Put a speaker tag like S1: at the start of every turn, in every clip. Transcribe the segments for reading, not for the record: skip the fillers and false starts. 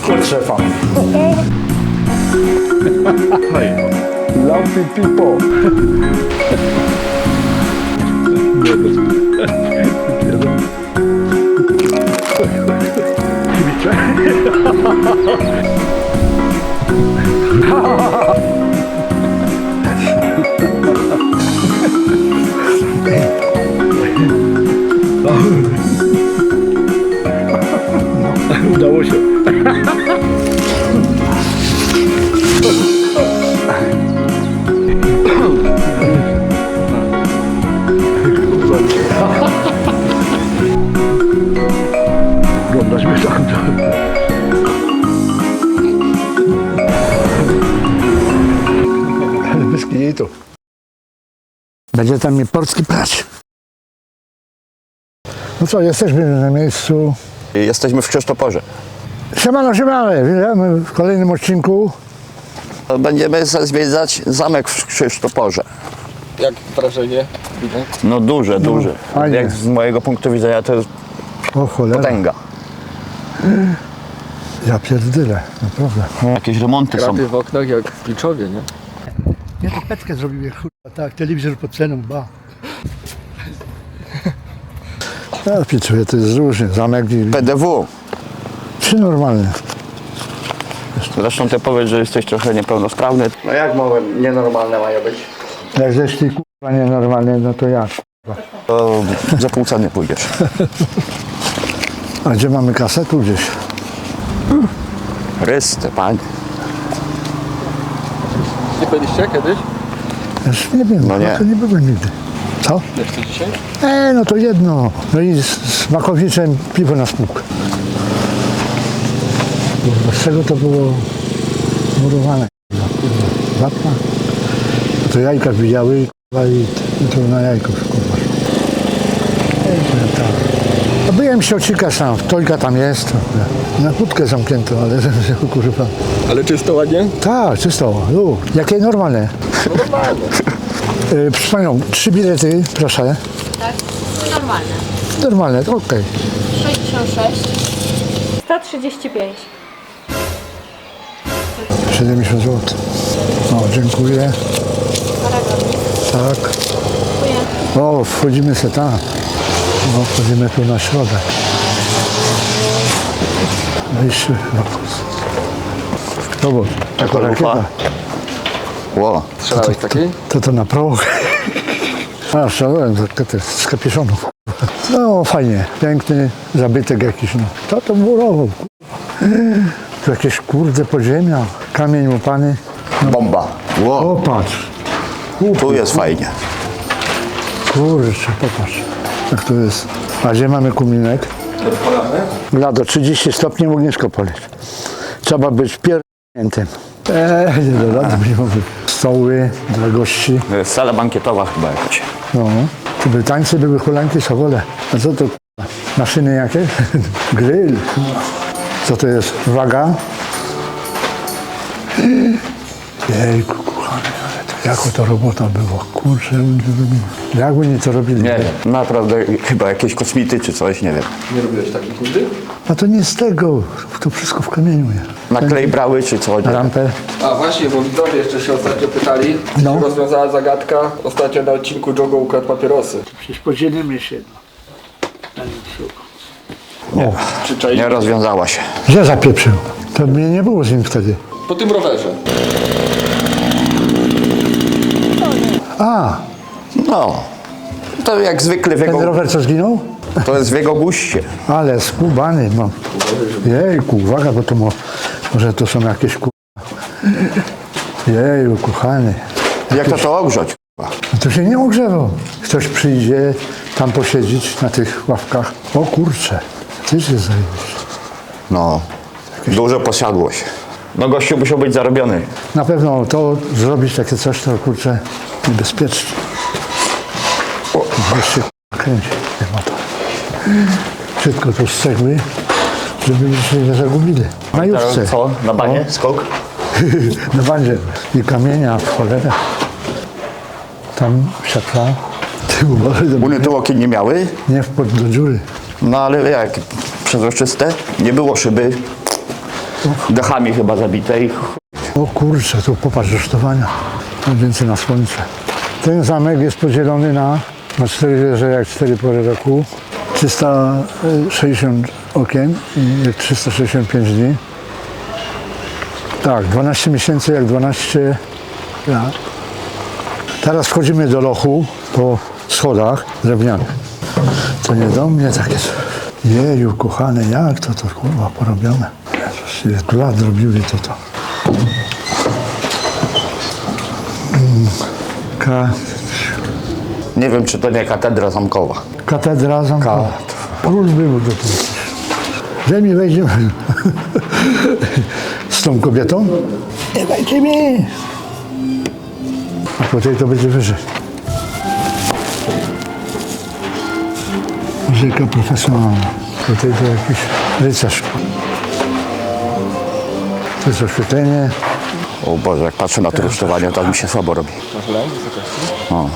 S1: Chodź szefa. Lumpy people. Udało się. Oglądasz mnie tam. Bez kitu. Będzie tam mnie polski plać. No co, jesteśmy na miejscu.
S2: Jesteśmy w Krzysztoporze.
S1: Siemano, witamy w kolejnym odcinku.
S2: Będziemy zwiedzać zamek w Krzysztoporze.
S3: Jak wrażenie? Widać?
S2: No duże.
S1: fajnie.
S2: Jak z mojego punktu widzenia to jest
S1: O cholera,
S2: potęga.
S1: ja pierdylę, naprawdę.
S2: Jakieś remonty są.
S3: Krapy w oknach jak w Piczowie, nie?
S1: Ja to peczkę zrobiłem, kurwa, tak, telewizor pod ceną, ba. Ja piczuję, to jest różnie, zamek
S2: PDW.
S1: czy normalny.
S2: Zresztą ty powiedz, że jesteś trochę niepełnosprawny. No jak nienormalne mają być?
S1: Jak zeszli kurwa nienormalnie, no to jak?
S2: To za pół ceny pójdziesz.
S1: A gdzie mamy kasę? Tu gdzieś.
S2: Chryste, panie.
S3: Nie byliście kiedyś?
S1: Już nie wiem,
S2: No nie.
S1: to nie byłem nigdy. Co?
S3: Nie chcę dzisiaj?
S1: No to jedno. No i z Makowiczem piwo na spółkę. Kurwa, z czego to było murowane? Kurwa, wapna? To jajka widziały kurwa, i to na jajko kurwa. No byłem siocika sam, Tojka tam jest. Na kłódkę zamknięto, ale kurwa.
S3: Ale czysto ładnie?
S1: Tak, czysto. Jakie normalne.
S3: Normalnie.
S1: Proszę panią, 3 bilety, proszę.
S4: Tak, normalne.
S1: Normalne, to okej.
S4: 66. 135.
S1: 70 zł. O, dziękuję.
S4: Paragonik.
S1: Tak.
S4: Dziękuję.
S1: O, wchodzimy se tam. O, wchodzimy tu na środek. Wyjście. To było. Taka rakieta.
S2: Ło.
S3: Strzelałeś takiej?
S1: To na proch. A, szalałem rakietę z kapiszonów. No, fajnie. Piękny zabytek jakiś. No. To murował. Tu jakieś kurde podziemia. Kamień łupany.
S2: Bomba. Ło.
S1: O, patrz.
S2: Tu jest fajnie.
S1: Kurczę, popatrz. Jak to jest. A gdzie mamy kuminek? Lado 30 stopni, ognisko poleć. Trzeba być pierdolniętym. Nie do rady nie mogę. Stoły dla gości.
S2: To jest sala bankietowa chyba jakaś.
S1: No. Tu były tańce, były hulanki, sobole. A co to k***a? Maszyny jakie? Grill. Co to jest? Waga? Jejku, kochany, ale to jako to robota była. Kurczę, jak oni to robili?
S2: Nie wiem. Naprawdę chyba jakieś kosmity czy coś, nie wiem.
S3: Nie robiłeś takich nigdy?
S1: A to nie z tego, to wszystko w kamieniu jest.
S2: Na klej brały czy co? Nie wiem.
S1: Rampę.
S3: A właśnie, bo widzowie jeszcze się ostatnio pytali, czy
S1: No.
S3: się rozwiązała zagadka. Ostatnio na odcinku Jogo ukradł papierosy.
S1: Przecież podzielimy się.
S3: Czy czaisz?
S2: Nie rozwiązała się.
S1: Gdzie zapieprzył? To mnie nie było z nim wtedy.
S3: Po tym rowerze.
S1: A,
S2: No. To jak zwykle w
S1: ten
S2: jego,
S1: rower co zginął?
S2: to jest w jego guście.
S1: Ale skubany, no. Jejku, uwaga, bo to może to są jakieś Jeju, kochany.
S2: Jak to ogrzać?
S1: No to się nie ogrzewał. Ktoś przyjdzie tam posiedzieć na tych ławkach. O kurczę, ty się zajmiesz.
S2: No. Dużo posiadłość. No gościu musiał być zarobiony.
S1: Na pewno to zrobić takie coś, to kurczę niebezpieczne. Gdzieś się kręci ten motor. Wszystko to z cegły, żeby się nie zagubili. Na juszce.
S2: Co? Na banie? Skok?
S1: Na bandzie. I kamienia w cholerę. Tam siatła. Ty uważaj,
S2: Uny tu okien nie miały,
S1: nie wpadł do dziury.
S2: no ale jak przezroczyste, nie było szyby. dechami chyba zabite i
S1: O kurczę, tu popatrz rusztowania. Więcej na słońce. Ten zamek jest podzielony na 4 wieże, jak 4 pory roku. 360 okien i 365 dni. Tak, 12 miesięcy jak 12 lat. Teraz wchodzimy do lochu po schodach drewnianych. To nie do mnie takie. Jeju, kochane, jak to kurwa porobione. Jezus, ile tu lat robiły to.
S2: nie wiem, czy to nie katedra zamkowa.
S1: Katedra zamkowa. Król był do tego. Że mi wejdziemy z tą kobietą? Nie dajcie mi! A tutaj to będzie wyżej. Muzyka profesjonalna. Tutaj to jakiś rycerz. To jest oświetlenie.
S2: O Boże, jak patrzę na to rusztowanie, to mi się słabo robi. O.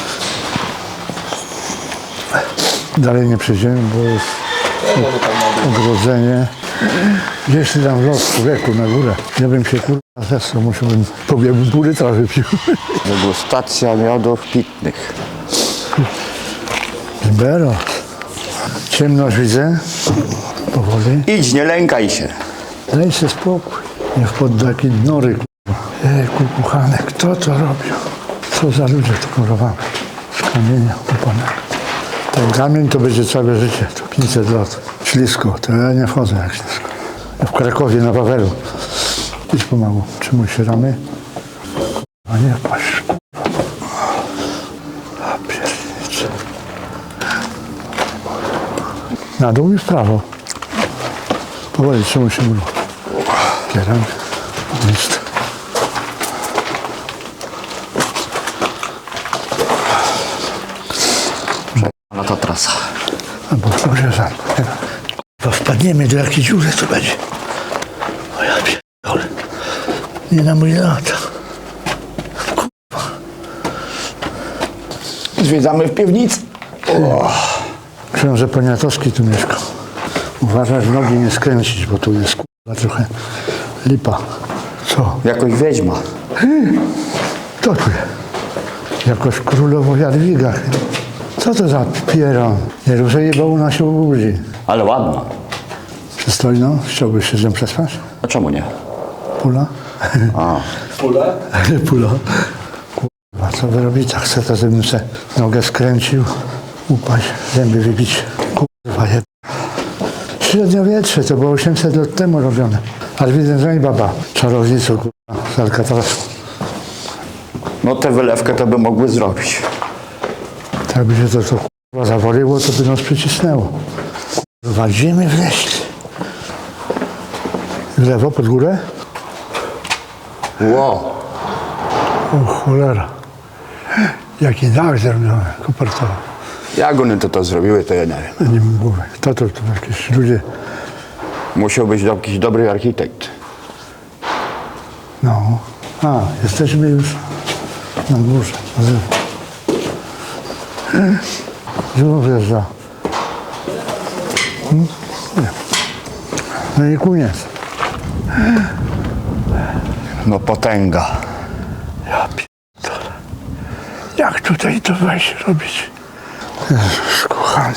S1: Dalej nie przejdziemy, bo jest ogrodzenie. Gdzieś tam w lot człowieku na górę. Ja bym się kurwa zesrał, musiałbym pół litra wypił.
S2: Degustacja miodów pitnych.
S1: Libero. Ciemność widzę. Powoli.
S2: Idź, nie lękaj się.
S1: Daj się spokój. Nie wpadł do jakiej nory. Ejku, kochane, kto to robił? Co za ludzie to murowali? Z kamienia kuponego. Ten kamień to będzie całe życie. To 500 lat. Ślisko. To ja nie wchodzę jak ślisko. Ja w Krakowie na Wawelu. Idź pomału. Trzymuj się ramy. A nie patrz. A piernicze. Na dół i w prawo. Powoli, trzymuj się muru. Kieram. List.
S2: No to trasa.
S1: Albo pogrzeżanko. Bo wpadniemy do jakiejś dziury, co będzie. O ja pierdolę. Nie na mój lata.
S2: Zwiedzamy w piwnicy.
S1: Książę Poniatowski tu mieszkał. Uważaj, w nogi nie skręcić, bo tu jest kurwa trochę lipa. Co?
S2: Jakoś wiedźma.
S1: To tu jest. Jakoś królowo Jadwiga. Co to za pieron? Nie ruszaj, bo u nas się ubudzi.
S2: Ale ładna.
S1: Przystojno? Chciałbyś się z nią przespać?
S2: A czemu nie?
S1: Pula?
S2: A.
S3: Pulę?
S1: Pula. Kurwa, co wy robicie? Chcę to, żebym se nogę skręcił, upaść, zęby wybić. Kurwa, jeb... Średniowietrze, to było 800 lat temu robione. Ale widzę, że i baba czarownicą, kurwa, z Alcatrazu.
S2: No tę wylewkę to by mogły zrobić.
S1: Tak by się to kurwa zawoliło, to by nas przycisnęło. Kurwa, gdzie my wleźli? W lewo, pod górę?
S2: Wow.
S1: O cholera. Jaki dach zrobiony, kopertowy.
S2: Jak one to zrobiły, to ja nie wiem.
S1: Nie mam głowy. To jakieś ludzie,
S2: Musiał być jakiś dobry architekt.
S1: no. A, jesteśmy już na górze. Znowu wjeżdża. Nie. No i koniec.
S2: No potęga.
S1: Ja pierdolę. Jak tutaj to wejść robić? Jezus kochany.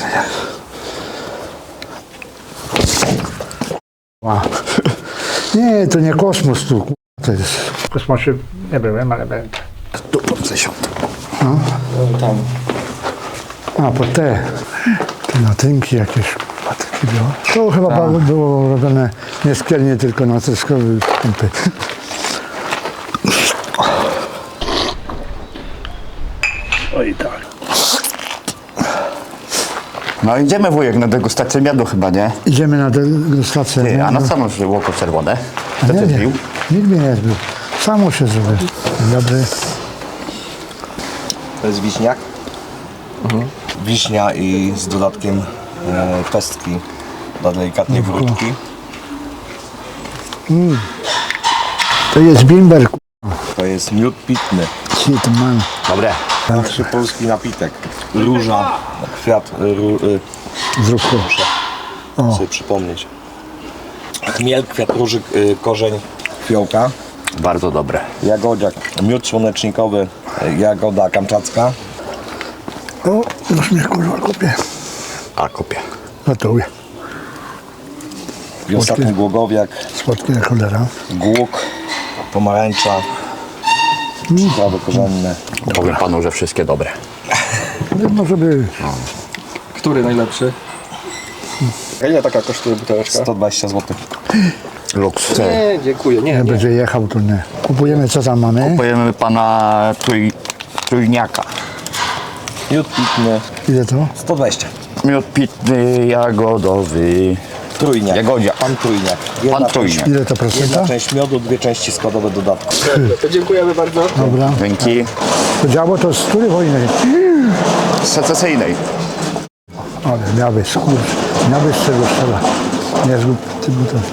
S1: Wow. Nie, to nie kosmos tu. To jest. W kosmosie nie byłem, ale będę.
S2: Tu pod 10.
S3: Tam.
S1: A, po te natynki jakieś. Takie białe. To chyba było robione nie szkielnie, tylko na treskowy pompy. Oj tak.
S2: No idziemy wujek na degustację miodu chyba, nie?
S1: Idziemy na degustację.
S2: Ty, a
S1: no,
S2: na samo oko czerwone.
S1: a
S2: To
S1: nie
S2: ty
S1: wiem.
S2: zbił?
S1: Nikt mnie nie zbił. Samo się zrobię. Dzień dobry.
S5: To jest wiśniak. Wiśnia i z dodatkiem pestki dla delikatnej wrótki.
S1: To jest bimber.
S5: To jest miód pitny.
S1: Shit man.
S2: Dobre.
S5: Najlepszy polski napitek. Róża, kwiat,
S1: Zrób to.
S5: muszę sobie przypomnieć. Chmiel, kwiat róży, korzeń fiołka.
S2: Bardzo dobre.
S5: Jagodziak, miód słonecznikowy, jagoda kamczacka.
S1: O, już mnie kurwa kupię.
S2: A kupię.
S1: Gotuję.
S5: I ostatni głogowiak,
S1: Słodkie jak cholera.
S5: głuk, pomarańcza, przyprawy korzenne.
S2: Powiem panu, że wszystkie dobre.
S1: No, może być.
S3: Który najlepszy? A ile taka kosztuje buteleczka?
S5: 120 zł.
S2: Luks.
S3: Nie, dziękuję, nie,
S1: Jak
S3: nie.
S1: będzie jechał, to nie. Kupujemy, co tam mamy.
S2: Kupujemy pana trójniaka.
S5: Miód pitny,
S1: Ile to?
S5: 120.
S2: Miód pitny, jagodowy.
S5: Trójniak.
S2: Jagodzia.
S5: Pan trójniak.
S2: Pan trójniak.
S1: Ile to procenta?
S5: Jedna część miodu, 2 części składowe dodatku.
S3: To dziękujemy bardzo.
S1: Dobra.
S2: Dzięki.
S1: To działo to z której wojny?
S2: Secesyjnej.
S1: Ale miałbyś miałbyś z czego strzelać. Nie zgub ty butelki.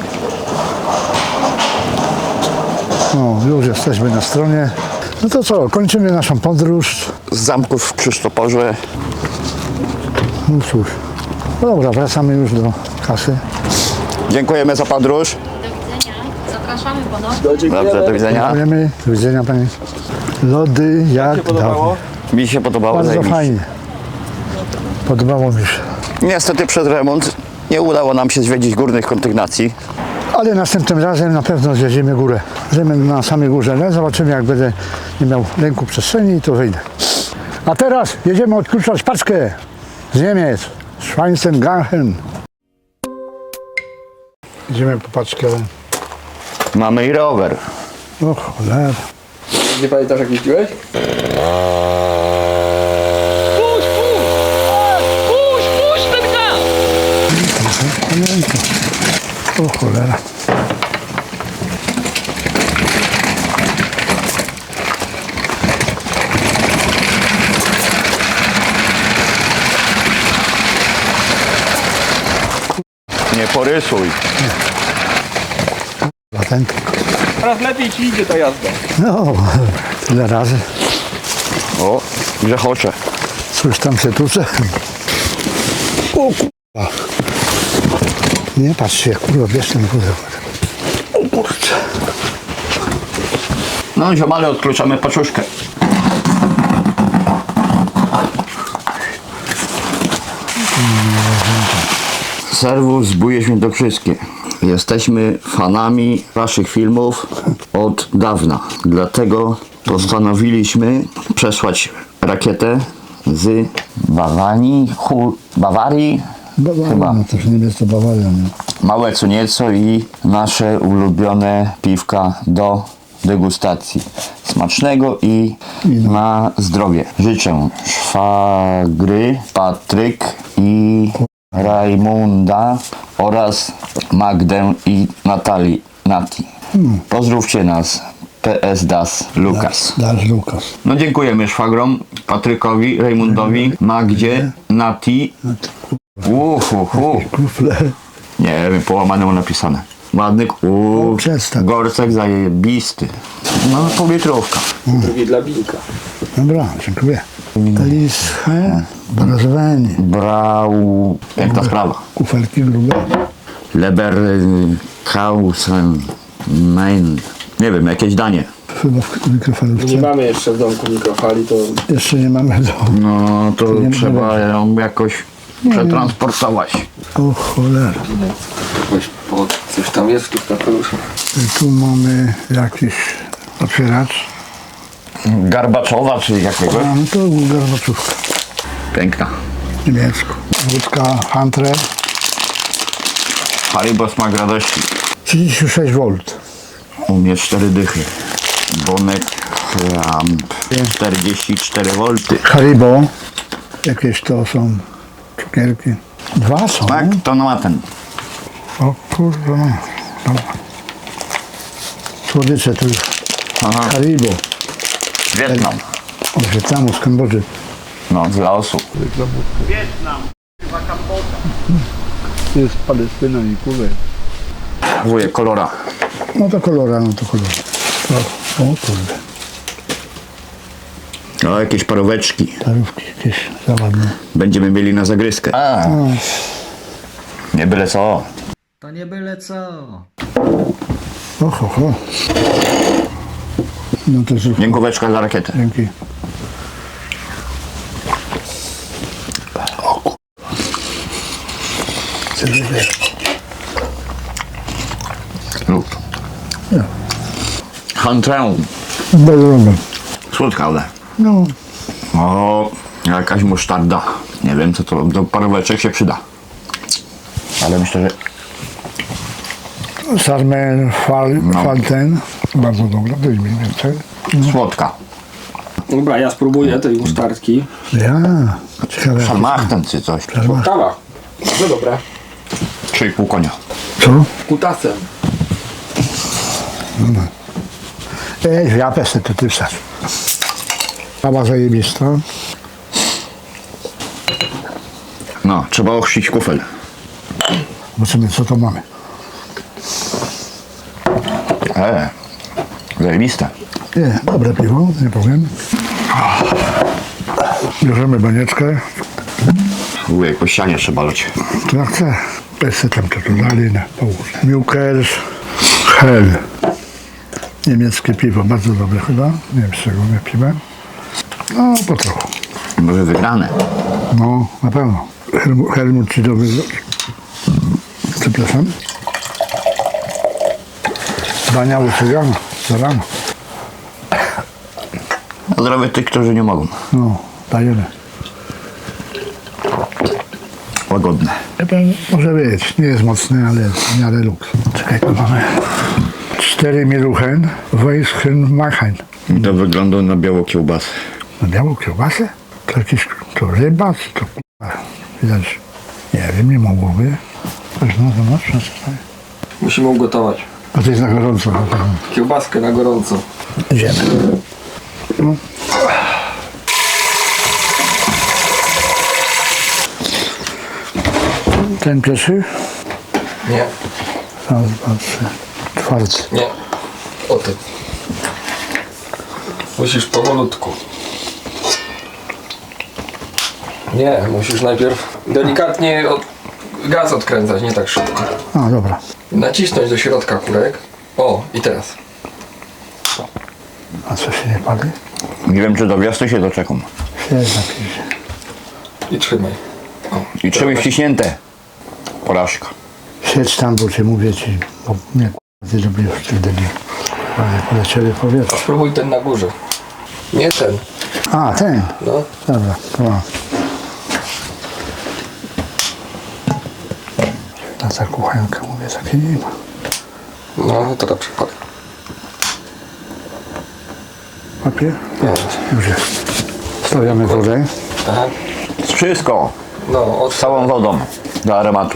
S1: No, już jesteśmy na stronie. No to co, kończymy naszą podróż.
S2: Z zamków w Krzysztoporze.
S1: No cóż. No dobra, wracamy już do kasy.
S2: Dziękujemy za podróż.
S4: Do widzenia. Zapraszamy ponownie.
S2: Dobrze, do widzenia.
S1: Dziękujemy. Do widzenia pani. Lody jak
S3: podobało?
S2: Mi się podobało.
S1: Bardzo
S2: zajebiście.
S1: fajnie. Podobało mi się.
S2: Niestety przez remont nie udało nam się zwiedzić górnych kondygnacji.
S1: Ale następnym razem na pewno zjedziemy górę. Zjedziemy na samej górze. No, zobaczymy, jak będę nie miał ręku przestrzeni, to wyjdę. A teraz jedziemy odkluczać paczkę z Niemiec. Schweinsteigen. Idziemy po paczkę.
S2: Mamy i rower.
S1: O cholera.
S3: Nie pamiętasz jak jeździłeś?
S1: Pamiętam. O cholera.
S2: Nie porysuj.
S1: Latenka.
S3: Teraz lepiej ci idzie ta jazda.
S1: No, tyle razy.
S2: O, grzechocze.
S1: Coś tam się tucze. O kurwa. Nie patrz się, kurwa, bierz ten pudełko. O kurczę.
S2: No ziomale, odkluczamy paczuszkę. Serwus Zbóje Świętokrzyskie. Jesteśmy fanami waszych filmów od dawna. Dlatego postanowiliśmy przesłać rakietę z Bawarii,
S1: Bawaria, no to już nie jest to Bawaria, nie?
S2: małe co nieco i nasze ulubione piwka do degustacji. Smacznego i na zdrowie. Życzę szwagry, Patryk i Rajmunda oraz Magdę i Nati. Pozdrówcie nas. PS Das Lukas.
S1: Dasz Lukas.
S2: No dziękujemy szwagrom, Patrykowi, Rajmundowi, Magdzie, Nati.
S1: Kufle.
S2: Nie wiem, połamane mu napisane. Ładny,
S1: przestań.
S2: gorcek zajebisty. No, półlitrówka.
S3: Drugi dla Binka.
S1: Dobra, dziękuję. Lische, brazowanie.
S2: Brał, piękna sprawa.
S1: Kufelki grube.
S2: Leberkausen, Main. Nie wiem, jakieś danie.
S1: Chyba w mikrofalówce.
S3: Nie mamy jeszcze w domku mikrofali, to
S1: Jeszcze nie mamy do...
S2: No, to
S1: nie
S2: trzeba ją jakoś przetransportować.
S1: O cholera.
S3: coś tam jest w tych kapeluszach.
S1: Tu mamy jakiś otwieracz.
S2: Garbaczowa czy jakiegoś?
S1: A, no to garbaczówka.
S2: Piękna.
S1: Niemiecku. Wódka Hunter.
S2: Haribo smak radości.
S1: 36 V.
S2: U mnie 4 dychy. Bonek Lamp 44 V.
S1: Haribo. Jakieś to są cukierki. Dwa są.
S2: Tak, to ma ten.
S1: O kurwa. Dobra. Słodycze tu.
S2: Aha,
S1: Haribo.
S2: Wietnam.
S1: Od Wietnamu, z Kambodży.
S2: No, z Laosu.
S1: Jest Palestyna i Kuwait.
S2: Wujek kolora.
S1: No to kolora, no to kolora. O kurde.
S2: O, jakieś paróweczki.
S1: Parówki jakieś załadne.
S2: Będziemy mieli na zagryzkę. Nie byle co.
S6: To nie byle co.
S1: Oho, ho. No to zrób.
S2: Dziękóweczka za rakietę.
S1: Dzięki. O kur...
S2: Lub.
S1: Ja.
S2: Hantrę.
S1: Bardzo dobre.
S2: Słodka, ale.
S1: No,
S2: O, jakaś musztarda. Nie wiem, co to do paróweczek się przyda. Ale myślę, że
S1: sarmel, falten. Bardzo dobre, daj mi więcej.
S2: słodka.
S3: Dobra, ja spróbuję tej musztardki.
S1: Ja, ciekawe.
S2: Szalmachten czy coś.
S3: Kawa. Bardzo dobre.
S2: 3,5 konia.
S1: Co?
S3: Kutasem.
S1: Ja pesę to ty wsadź. Kawa zajebista.
S2: No, trzeba ochrzcić kufel.
S1: Zobaczymy, co to mamy.
S2: Zajebiste.
S1: Nie, dobre piwo, nie powiem. Bierzemy banieczkę.
S2: Ujej, po ścianie trzeba leć.
S1: To jak chcę. Pesę tam to dali na połóż. Milkers Hell. Niemieckie piwo, bardzo dobre chyba. Nie wiem, z czego nie piłem. No, po trochu.
S2: Może wygrane.
S1: No, na pewno. Helmut ci dobry. Przepraszam. Bania usypiana za rano.
S2: A zdrowie tych, którzy nie mogą.
S1: No, dajemy.
S2: Łagodne.
S1: Może być, nie jest mocny, ale jest w miarę luks. Czekaj, tu mamy 4 Miluchen, Weisschen Machen.
S2: To wygląda na białą kiełbasę.
S1: Na białą kiełbasę? To jakiś, to ryba, czy to k***a? Widać, nie wiem, nie mogłoby. Coś no, to masz, tutaj.
S3: Musimy ugotować.
S1: A to jest na gorąco. Na pewno.
S3: Kiełbaskę na gorąco.
S1: Idziemy. No. Ten pierwszy?
S3: Nie.
S1: Raz, dwa, trzy. Czwarty.
S3: Nie. O ty. Musisz powolutku. Nie, musisz najpierw delikatnie gaz odkręcać, nie tak szybko.
S1: A, dobra.
S3: Nacisnąć do środka kurek. O, i teraz.
S1: A co się nie pali?
S2: Nie wiem, czy do wiosny się doczekam.
S1: Się napisze.
S3: I trzymaj.
S2: I trzymaj wciśnięte. Porażka.
S1: Siedź tam, bo cię mówię ci, bo mnie ty lubisz w tych debil. Ale polecieli powietrze.
S3: Spróbuj ten na górze. Nie ten.
S1: A, ten.
S3: No.
S1: Dobra, to mam. Na ta kuchenka mówię, takiej nie ma.
S3: No, to dobrze. Chodź.
S1: Papier?
S3: Nie.
S1: Już jest. Stawiamy wodę.
S3: Aha.
S2: Wszystko.
S3: No,
S2: Z całą wodą. Do aromatu.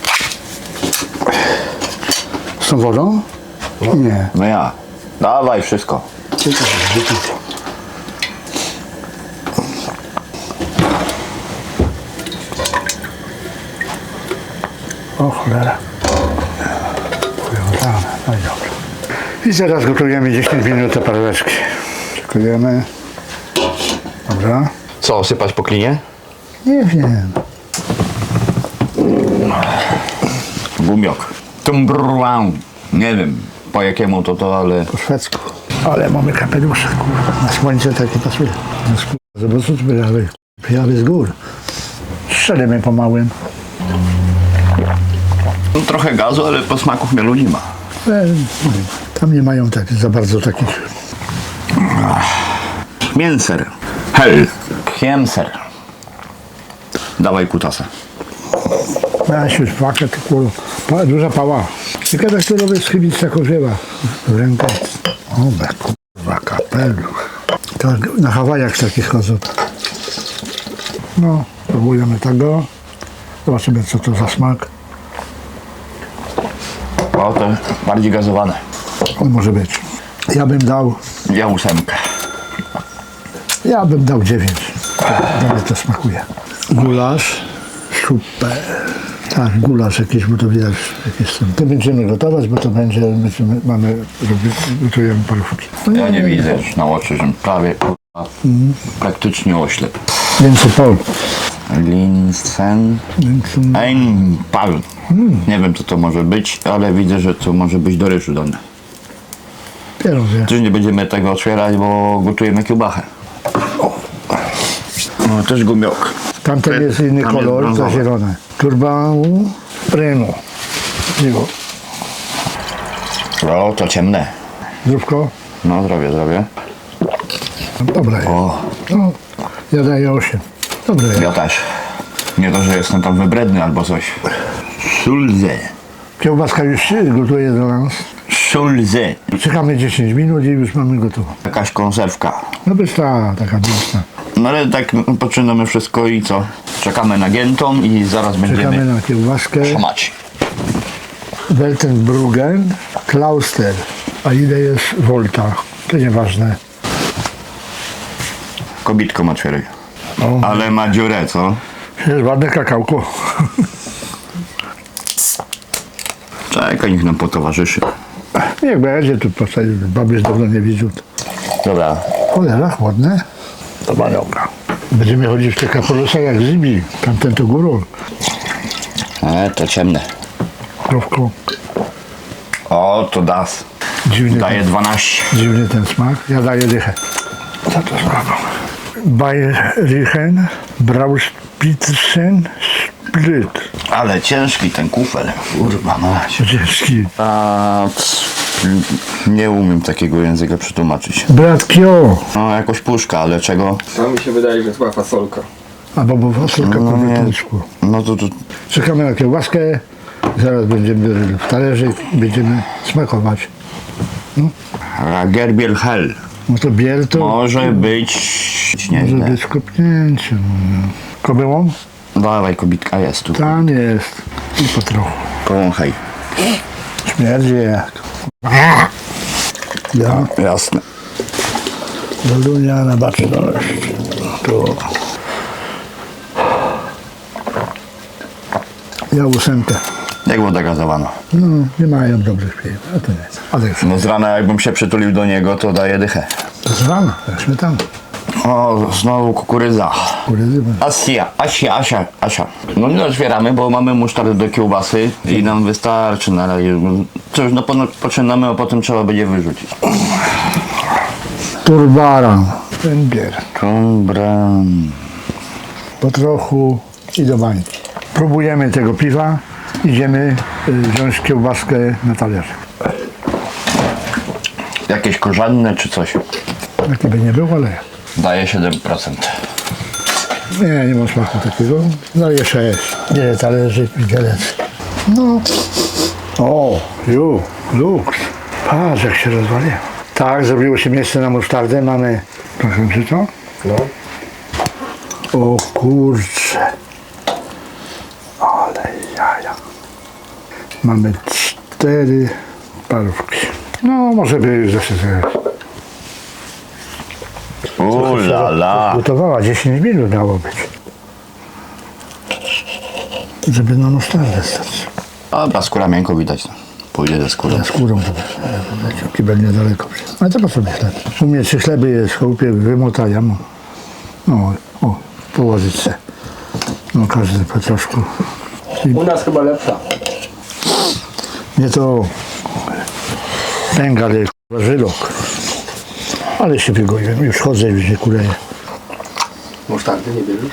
S1: Z tą wodą? Nie.
S2: No ja. Dawaj wszystko.
S1: O cholera. Powiązane. No i dobrze. I zaraz gotujemy 10 minut te paróweczki. Szykujemy. Dobra.
S2: Co, sypać po klinie?
S1: Nie wiem.
S2: Gumiok. Tumbrłam. Nie wiem po jakiemu to, ale...
S1: Po szwedzku. Ale mamy kapelusze, kurwa. Na słońce takie pasuje. Zobaczcie, przyjawy z gór. Strzelimy pomałym.
S2: No, trochę gazu, ale po smaku chmielu nie ma.
S1: Tam nie mają tak, za bardzo takich.
S2: Mięser. Hel. Kiemser. Dawaj kutasa.
S1: Ja się szwakę, to kurwa. Duża pała. Ciekawe, kto robi schybić taką żyła. W rękę. O, kurwa, kapelusz. To na Hawajach takich chodzą. No, próbujemy tego. Zobaczymy, co to za smak.
S2: O, to bardziej gazowane.
S1: On może być. Ja bym dał
S2: Ja 8.
S1: Ja bym dał 9. Do mnie to smakuje. Gulasz. Super. Tak, gulasz jakiś, bo to widać jakieś są. To będziemy gotować, bo to będzie, gotujemy parówki. No
S2: Ja nie widzę już na oczy, że prawie kurwa, praktycznie oślep.
S1: Więcej pol.
S2: Linsen. Einpal. Nie wiem co to może być, ale widzę, że to może być do ryżu dane.
S1: Pierogie.
S2: Też nie będziemy tego otwierać, bo gotujemy kiełbachę. No, też gumiok.
S1: Tamten jest inny
S2: Tam jest
S1: kolor, to
S2: brązowy.
S1: zielone. Turbanu Renu. Miło.
S2: O, to ciemne.
S1: Zdrówko?
S2: No, zdrowie.
S1: Dobre jest.
S2: O,
S1: No, ja daję 8. Dobre jest.
S2: ja też. Nie to, że jestem tam wybredny albo coś. Szulze.
S1: Kiełbaska już się gotuje dla nas.
S2: Szulze.
S1: Czekamy 10 minut i już mamy gotową.
S2: Jakaś konserwka.
S1: No bysta, taka bysta.
S2: No ale tak poczynamy wszystko i co? Czekamy na giętą i zaraz
S1: Czekamy
S2: będziemy
S1: na kiełbaskę.
S2: szamać.
S1: Weltenbruggen, Klauster. A ile jest volta? To nieważne.
S2: Kobitką otwieraj.
S1: O,
S2: Ale ma dziurę, co?
S1: jest ładne kakałko.
S2: Czekaj, niech nam potowarzyszy.
S1: Niech będzie tu postawić, baby dawno nie widział.
S2: Dobra.
S1: Cholera, chłodne. To dobra. Będziemy chodzić w tych kapelusach jak Zibi. Tamten to górą.
S2: To ciemne.
S1: Krówką.
S2: O, to das. Daje 12.
S1: Dziwny ten smak. Ja daję dychę. Co to słabo? Bayrichen, Brauspitzen, Split.
S2: Ale ciężki ten kufel. Kurwa mać.
S1: Ciężki.
S2: Nie umiem takiego języka przetłumaczyć.
S1: Bratkio.
S2: No, jakoś puszka, ale czego?
S3: To mi się wydaje, że chyba fasolka.
S1: Albo bo fasolka po
S2: nie.
S1: wytyczku.
S2: No to
S1: Czekamy na kiełbaskę. Zaraz będziemy w talerze i będziemy smakować.
S2: Gerbiel hell.
S1: No to biel to
S2: Może być
S1: może
S2: nieźle.
S1: być kopnięciem. Kobyłą?
S2: Dawaj, kobitka jest tu.
S1: Tam jest. I po trochu.
S2: Powąchaj.
S1: Śmierdzi jak. Ja,
S2: Jasne.
S1: Walunia na baczność. Tu. Ja 8.
S2: Jak woda gazowana.
S1: No, nie mają dobrych piw. A to nie. Ale już.
S2: No z rana jakbym się przytulił do niego, to daje dychę.
S1: To z rana, jak śmietana.
S2: O, znowu kukurydza.
S1: Kukurydzy.
S2: Asia. No nie otwieramy, bo mamy musztardę do kiełbasy i nam wystarczy na razie. Cóż, no poczynamy, a potem trzeba będzie wyrzucić.
S1: Turbaran. Węgier.
S2: Tumbran.
S1: Po trochu i do bańki. Próbujemy tego piwa. Idziemy wziąć kiełbaskę na talerze.
S2: Jakieś korzenne czy coś?
S1: Jaki by nie był, ale
S2: Daje 7%.
S1: nie ma smaku takiego. Daję 6. Wiele talerzy, widelec. No. O, luks. Patrz jak się rozwaliło. Tak, zrobiło się miejsce na musztardę. Mamy, proszę, czy to?
S3: No.
S1: O kurcze. Ale jaja. Mamy 4 parówki. No, może by już zeszły.
S2: Ulala.
S1: Gotowała 10 minut miało być. Żeby na musztardę stać.
S2: Dobra, skóra miękko widać. No. Pójdzie ze skórą.
S1: Ze skórą to będzie. Kibel niedaleko. Ale to po sobie chleb. W sumie 3 chleby jest w chałupie, wymotają. No, o, położyć se. No, każdy po troszku.
S3: U nas chyba lepsza.
S1: Nie to pęga, ale żylok. Ale się wygoiłem. Już chodzę, już nie kuleję.
S3: Musztardy nie bierzesz?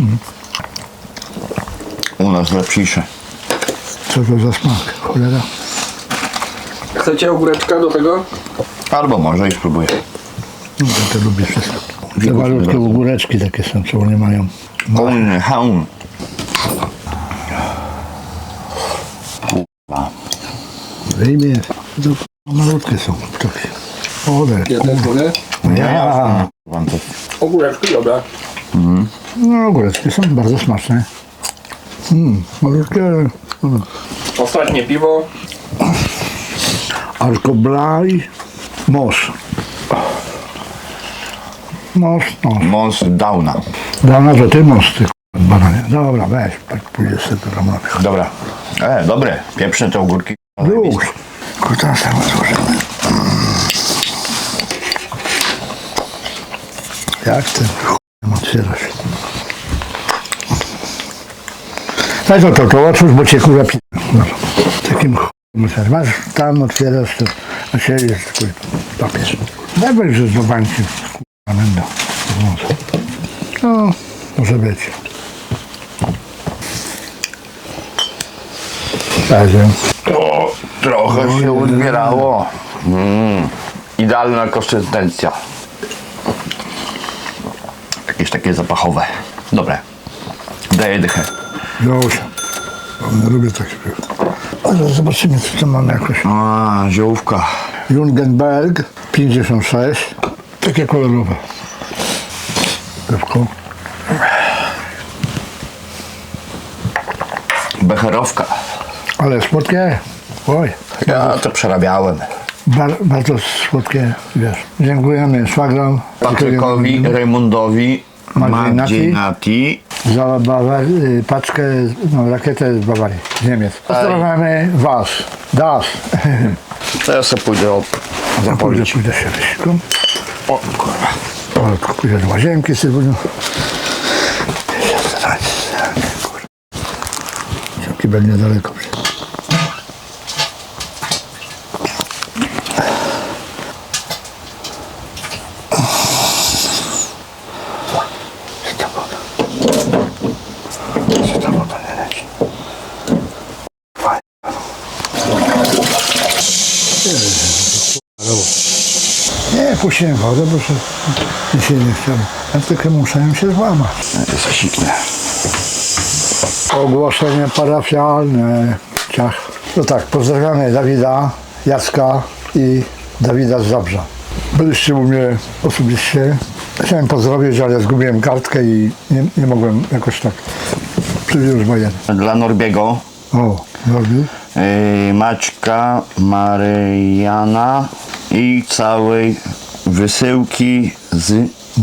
S2: U nas lepsze.
S1: Co to za smak? Cholera.
S3: Chcecie ogóreczka do tego?
S2: Albo może i spróbuję.
S1: No, ja to lubię wszystko. Te malutkie ogóreczki takie są, co one mają.
S2: Haun.
S1: Wyjmie. To malutkie są takie. Ole.
S3: Ja też mogę?
S1: Ja.
S2: Wam to
S3: Ogóreczki, dobra.
S1: No ogóreczki są bardzo smaczne. Malutkie, ale...
S3: Ostatnie piwo.
S1: Alkoblaj. Mos. Mos, no.
S2: Mons Downa.
S1: Dawno to ty mos, ty bananie. Dobra, weź, tak pójdziesz sobie do domu.
S2: Dobra. Dobre. Pieprzne te ogórki.
S1: Już. Kutasa złożymy. Jak ten otwierasz? Daj to otwórz, bo cię kurwa no. Takim ch**em masz tam, otwierasz to, a się jest kurwa papież. Dawaj, że do bańki kurwa będą. No, może być. Także.
S2: O, trochę się uzbierało. Idealna konsystencja. Jakieś takie zapachowe. Dobre. Daję dychę.
S1: Ziołusia. Nie lubię takich piw. Ale zobaczymy, co tam mamy jakoś.
S2: A, ziołówka.
S1: Jungenberg 56. Takie kolorowe. Piwko.
S2: Becherowka.
S1: Ale słodkie. Oj.
S2: Ja to przerabiałem.
S1: Bardzo słodkie, wiesz. Dziękujemy szwagrom.
S2: Patrykowi, Raymundowi,
S1: Magdzie
S2: Magdzie Nati.
S1: Za paczkę, no, rakietę z Bawarii, z Niemiec. Pozdrawiamy was. Das.
S2: To ja sobie pójdę zapolić.
S1: Pójdę się wysikam.
S2: O kurwa.
S1: O, pójdę do łazienki sobie. Kibel niedaleko. Nie, puściłem wodę, bo się nie chciałem. Ja tylko muszę się złamać.
S2: To siknę.
S1: Ogłoszenie parafialne. Ciach. No tak, pozdrawiamy Dawida, Jacka i Dawida z Zabrza. Byliście u mnie osobiście. Chciałem pozdrowić, ale zgubiłem kartkę i nie mogłem jakoś tak przywiózł wojen.
S2: Dla Norbiego.
S1: O, Norbi.
S2: Maćka, Maryjana i całej wysyłki z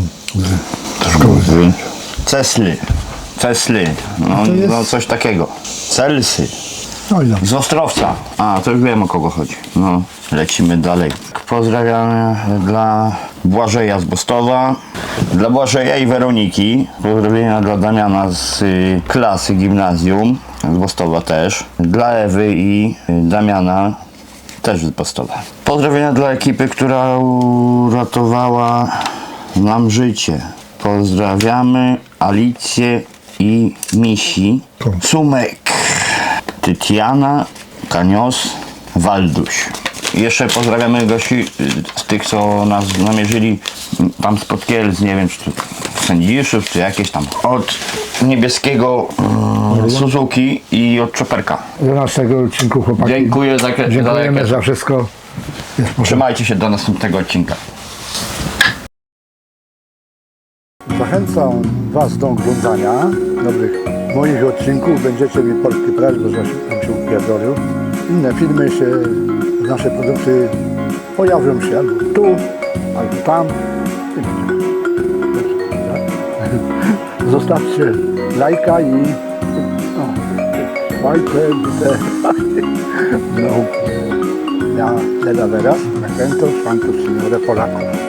S2: Cesly, no coś takiego. Celsy,
S1: No i dobrze.
S2: z Ostrowca. A, to już wiem, o kogo chodzi. No, lecimy dalej. Pozdrawiamy dla Błażeja z Bostowa, dla Błażeja i Weroniki. Pozdrowienia dla Damiana z klasy gimnazjum, z Bostowa też. Dla Ewy i Damiana, też z Bostowa. Pozdrowienia dla ekipy, która uratowała nam życie. Pozdrawiamy Alicję i Misi, Sumek, Tytiana, Kanios, Walduś. Jeszcze pozdrawiamy gości z tych, co nas namierzyli tam spod Kielc, nie wiem, czy to Sędziszów, czy jakieś tam. Od niebieskiego Suzuki i od Czoperka.
S1: 12 odcinku chłopaki.
S2: Dziękuję za
S1: Dziękujemy za wszystko.
S2: Trzymajcie się do następnego odcinka.
S1: Zachęcam was do oglądania dobrych moich odcinków. Będziecie mi portki prać, bo żebym się upierdolił. Inne filmy się, nasze produkty pojawią się albo tu, albo tam. Zostawcie lajka i fajkę, no, ja Lela Vera, Nakrętos, Fantos, Signore Polaków.